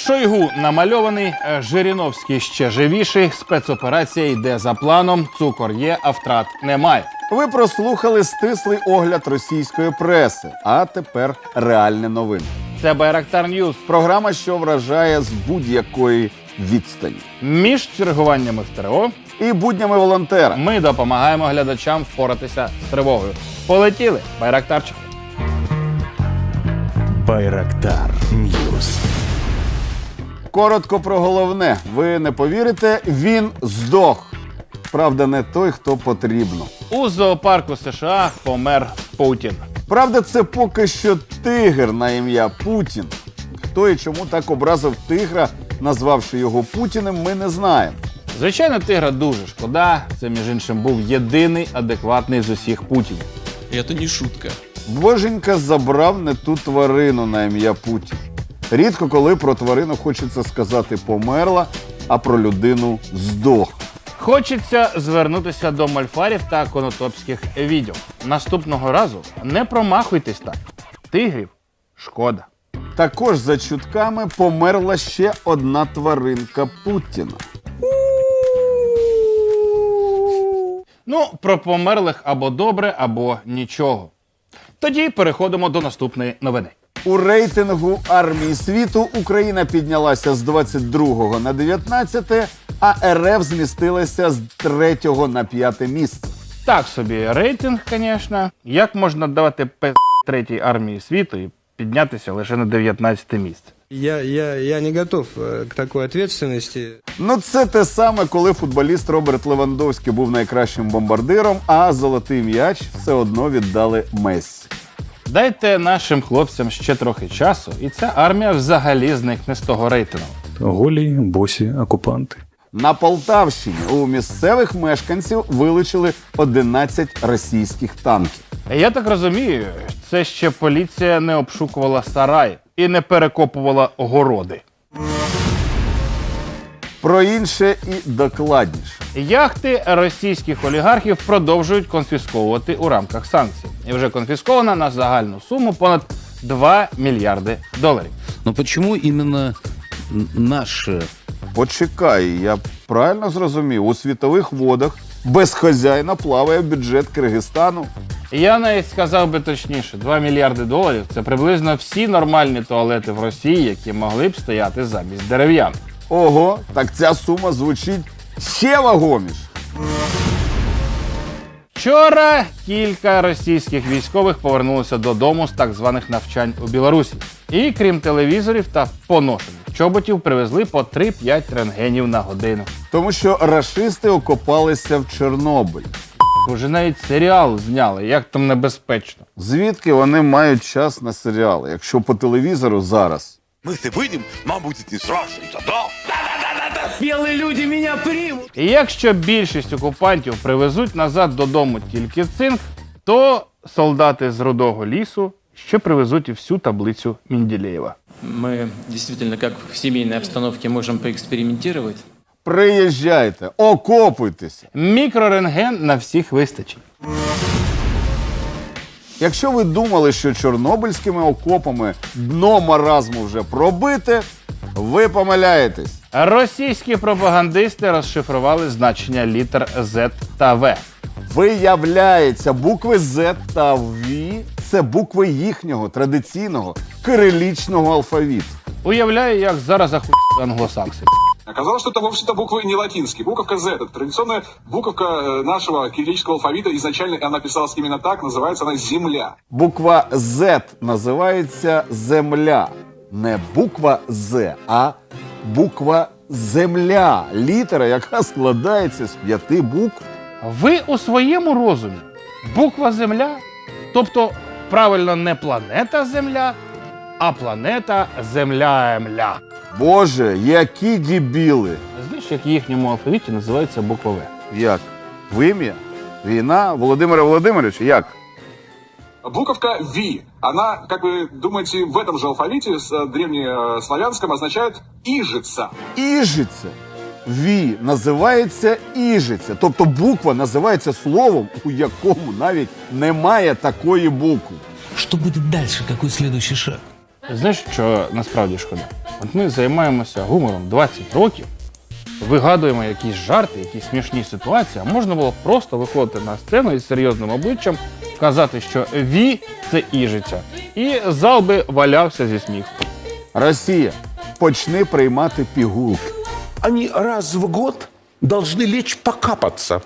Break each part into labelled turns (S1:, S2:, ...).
S1: Шойгу намальований, Жириновський ще живіший, спецоперація йде за планом, цукор є, а втрат немає.
S2: Ви прослухали стислий огляд російської преси, а тепер реальні новини.
S1: Це Байрактар Ньюс.
S2: Програма, що вражає з будь-якої відстані.
S1: Між чергуваннями в ТРО
S2: І буднями волонтера.
S1: ми допомагаємо глядачам впоратися з тривогою. Полетіли, Байрактарчик.
S3: Байрактар Ньюс.
S2: Коротко про головне. Ви не повірите, він здох. Правда, не той, хто потрібно.
S1: У зоопарку США помер Путін.
S2: Правда, це поки що тигр на ім'я Путін. Хто і чому так образив тигра, назвавши його Путіним, ми не знаємо.
S1: Звичайно, тигра дуже шкода. Це, між іншим, був єдиний адекватний з усіх Путінів.
S4: И это не шутка.
S2: Боженька забрав не ту тварину на ім'я Путін. Рідко коли про тварину хочеться сказати «померла», а про людину «здох».
S1: Хочеться звернутися до мольфарів та конотопських відьом. Наступного разу не промахуйтесь так. Тигрів шкода.
S2: Також за чутками померла ще одна тваринка Путіна.
S1: Ну, про померлих або добре, або нічого. Тоді переходимо до наступної новини.
S2: У рейтингу армії світу Україна піднялася з 22-го на 19-те, а РФ змістилася з 3-го на 5-те місце.
S1: Так собі рейтинг, звісно. Як можна давати третій армії світу і піднятися лише на 19-те місце?
S5: Я не готов к такой ответственности.
S2: Ну це те саме, коли футболіст Роберт Левандовський був найкращим бомбардиром, а золотий м'яч все одно віддали Мессі.
S1: Дайте нашим хлопцям ще трохи часу, і ця армія взагалі зникне з того рейтингу.
S3: Голі, босі, окупанти.
S2: На Полтавщині у місцевих мешканців вилучили 11 російських танків.
S1: Я так розумію, це ще поліція не обшукувала сараї і не перекопувала городи.
S2: Про інше і докладніше.
S1: Яхти російських олігархів продовжують конфісковувати у рамках санкцій. І вже конфіскована на загальну суму понад 2 мільярди доларів.
S6: Но почему именно наши?
S2: Почекай, я правильно зрозумів, у світових водах без хазяїна плаває бюджет Киргизстану.
S1: Я навіть сказав би точніше, 2 мільярди доларів – це приблизно всі нормальні туалети в Росії, які могли б стояти замість дерев'ян.
S2: Ого, так ця сума звучить ще вагоміше.
S1: Вчора кілька російських військових повернулися додому з так званих навчань у Білорусі. І крім телевізорів та поношених чоботів привезли по 3-5 рентгенів на годину.
S2: Тому що рашисти окопалися в Чорнобиль.
S1: Вже навіть серіал зняли, як там небезпечно.
S2: Звідки вони мають час на серіали, якщо по телевізору зараз?
S7: Мы если выйдем, нам будет не страшно, да?
S1: І якщо більшість окупантів привезуть назад додому тільки цинк, то солдати з Рудого лісу ще привезуть і всю таблицю Менделєєва.
S8: Мы действительно, как в семейной обстановке, можем поэкспериментировать.
S2: Приїжджайте, окопуйтеся.
S1: Мікрорентген на всіх вистачить.
S2: Якщо ви думали, що чорнобильськими окопами дно маразму вже пробите, ви помиляєтесь.
S1: Російські пропагандисти розшифрували значення літер Z та В.
S2: Виявляється, букви Z та V – це букви їхнього традиційного кирилічного алфавіту.
S1: Уявляю, як зараз ахуєли англосакси.
S9: Оказалось, что это вовсе-то буквы не латинские. Буковка Z – это традиционная буковка нашего кириллического алфавита. Изначально она писалась именно так, называется она «Земля».
S2: Буква Z називається «Земля». Не буква Z, а буква «Земля». Літера, яка складається з 5 букв.
S1: Ви у своєму розумі буква Земля, тобто правильно не планета Земля, а планета Земля-Емля.
S2: Боже, які дебіли!
S1: Знаєш, як в їхньому алфавіті називається буква В?
S2: Як? Вим'я? Війна? Володимира Володимировича? Як?
S9: Буковка V, она, как вы думаете, в этом же алфавите, с древнеславянском, означает «ижица».
S2: Іжиця. Ві називається Іжиця. Тобто буква називається словом, у якому навіть немає такої букви.
S6: Что будет дальше? Какой следующий шаг?
S1: Знаєш, що насправді шкода? От ми займаємося гумором 20 років, вигадуємо якісь жарти, якісь смішні ситуації, а можна було просто виходити на сцену із серйозним обличчям, казати, що «ві» – це іжиця. І зал би валявся зі сміху.
S2: Росія, почни приймати пігулки.
S4: Они раз в год должны лечь покапаться.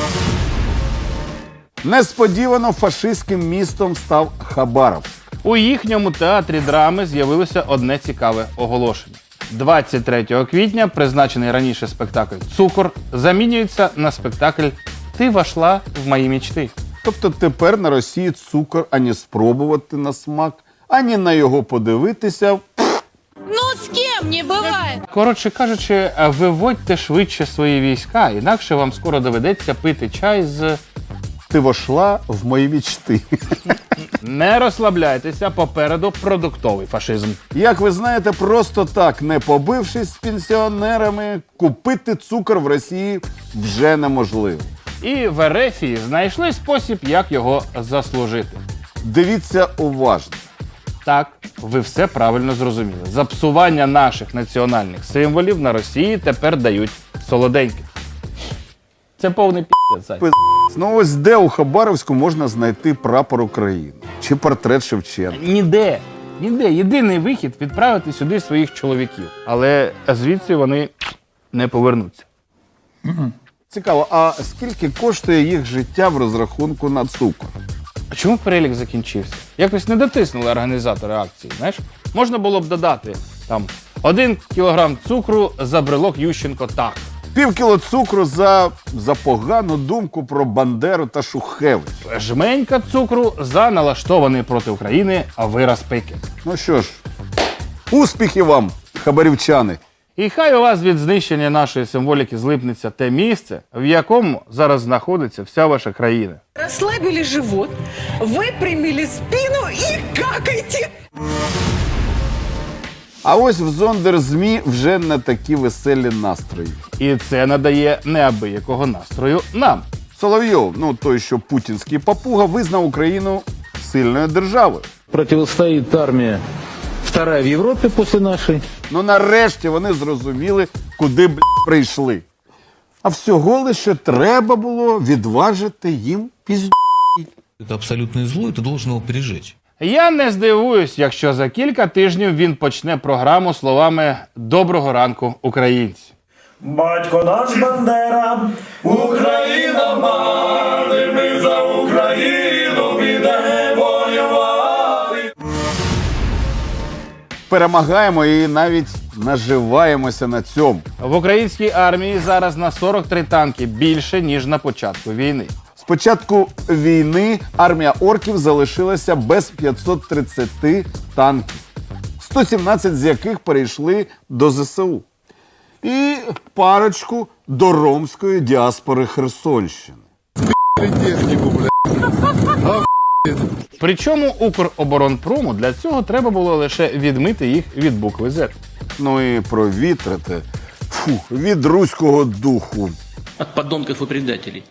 S2: Несподівано фашистським містом став Хабаровськ.
S1: У їхньому театрі драми з'явилося одне цікаве оголошення. 23 квітня призначений раніше спектакль «Цукор» замінюється на спектакль «Ти вошла в мої мечти».
S2: Тобто тепер на Росії цукор ані спробувати на смак, ані на його подивитися.
S10: Ну, с кем не бывает.
S1: Коротше кажучи, виводьте швидше свої війська, інакше вам скоро доведеться пити чай з...
S2: Ти вошла в мої мічти.
S1: Не розслабляйтеся, попереду продуктовий фашизм.
S2: Як ви знаєте, просто так, не побившись з пенсіонерами, купити цукор в Росії вже неможливо.
S1: І в Ерефії знайшли спосіб, як його заслужити.
S2: Дивіться уважно.
S1: Так, ви все правильно зрозуміли. За псування наших національних символів на Росії тепер дають солоденьких. Це повний пі***ць.
S2: Ну ось де у Хабаровську можна знайти прапор України? Чи портрет Шевченка?
S1: Ніде. Ніде. Єдиний вихід – відправити сюди своїх чоловіків. Але звідси вони не повернуться.
S2: Цікаво, а скільки коштує їх життя в розрахунку на цукор?
S1: А чому перелік закінчився? Якось не дотиснули організатори акції, знаєш? Можна було б додати, там, 1 кілограм цукру за брелок Ющенко так.
S2: Пів кіло цукру за погану думку про Бандеру та Шухевич.
S1: Жменька цукру за налаштований проти України вираз пики.
S2: Ну що ж, успіхів вам, хабарівчани!
S1: І хай у вас від знищення нашої символіки злипнеться те місце, в якому зараз знаходиться вся ваша країна.
S10: Расслабили живот, выпрямили спину и какайте.
S2: А ось в Зондерзмі вже не такі веселі настрої.
S1: І це надає неабиякого настрою нам.
S2: Соловйов, ну той, що путінський папуга, визнав Україну сильною державою.
S6: Противостоит армия вторая в Европе после нашей.
S2: Ну нарешті вони зрозуміли, куди прийшли. А всього лише треба було відважити їм пізд***.
S11: Это абсолютное зло, и ты должен его пережечь.
S1: Я не здивуюсь, якщо за кілька тижнів він почне програму словами «Доброго ранку, українці».
S4: Батько наш Бандера, Україна мати, ми за Україну підемо воювати.
S2: Перемагаємо і навіть наживаємося на цьому.
S1: В українській армії зараз на 43 танки більше, ніж на початку війни.
S2: З початку війни армія орків залишилася без 530 танків, 117 з яких перейшли до ЗСУ. І парочку до ромської діаспори Херсонщини.
S1: Причому Укроборонпрому для цього треба було лише відмити їх від букви «З».
S2: Ну і провітрити від руського духу.
S8: От подонков и предателей.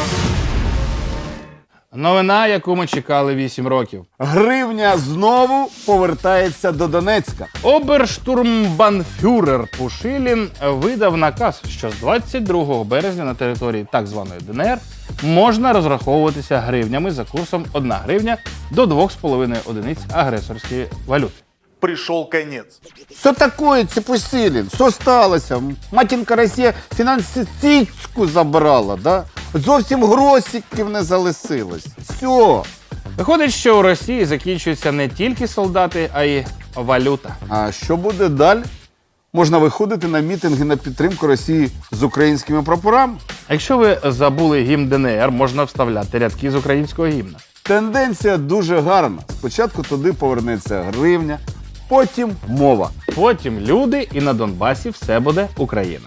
S1: Новина, яку ми чекали 8 років.
S2: Гривня знову повертається до Донецька.
S1: Оберштурмбанфюрер Пушилін видав наказ, що з 22 березня на території так званої ДНР можна розраховуватися гривнями за курсом 1 гривня до 2,5 одиниць агресорської валюти.
S4: Пришел конец.
S2: Що таке, Пушилін? Що сталося? Матінка Росія фінансистичку забрала, да? Зовсім гросиків не залишилось. Все.
S1: Виходить, що у Росії закінчуються не тільки солдати, а й валюта.
S2: А що буде далі? Можна виходити на мітинги на підтримку Росії з українськими прапорами?
S1: А якщо ви забули гімн ДНР, можна вставляти рядки з українського гімна.
S2: Тенденція дуже гарна. Спочатку туди повернеться гривня, потім мова.
S1: Потім люди, і на Донбасі все буде Україна.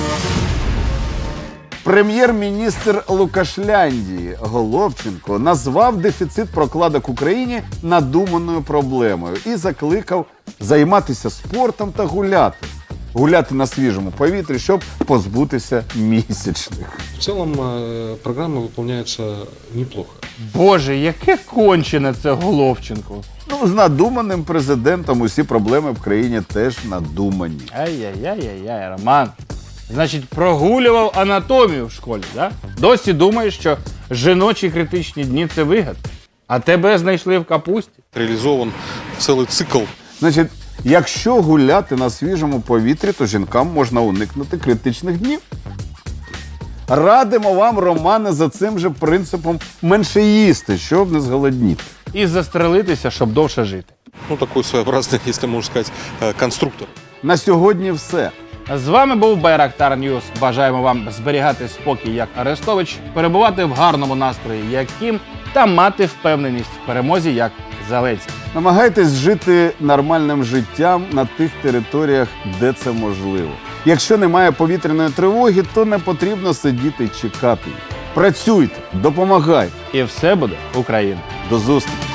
S2: Прем'єр-міністр Лукашляндії Головченко назвав дефіцит прокладок Україні надуманою проблемою і закликав займатися спортом та гуляти. гуляти на свіжому повітрі, щоб позбутися місячних.
S4: В целом программа выполняется неплохо.
S1: Боже, яке кончене це Головченко.
S2: Ну, з надуманим президентом усі проблеми в країні теж надумані.
S1: Ай-яй-яй-яй, Роман. Значить, прогулював анатомію в школі, да? Досі думаєш, що жіночі критичні дні – це вигад. А тебе знайшли в капусті.
S4: Реализован целый цикл.
S2: Значить, якщо гуляти на свіжому повітрі, то жінкам можна уникнути критичних днів. Радимо вам, Романе, за цим же принципом менше їсти, щоб не зголодніти.
S1: І застрелитися, щоб довше жити.
S4: Ну, такой своеобразный, если можно сказать, конструктор.
S2: На сьогодні все.
S1: З вами був Байрактар Ньюс. Бажаємо вам зберігати спокій, як Арестович, перебувати в гарному настрої, як Кім, та мати впевненість в перемозі, як Зеленський.
S2: Намагайтесь жити нормальним життям на тих територіях, де це можливо. Якщо немає повітряної тривоги, то не потрібно сидіти і чекати її. Працюйте, допомагайте.
S1: І все буде Україна.
S2: До зустрічі!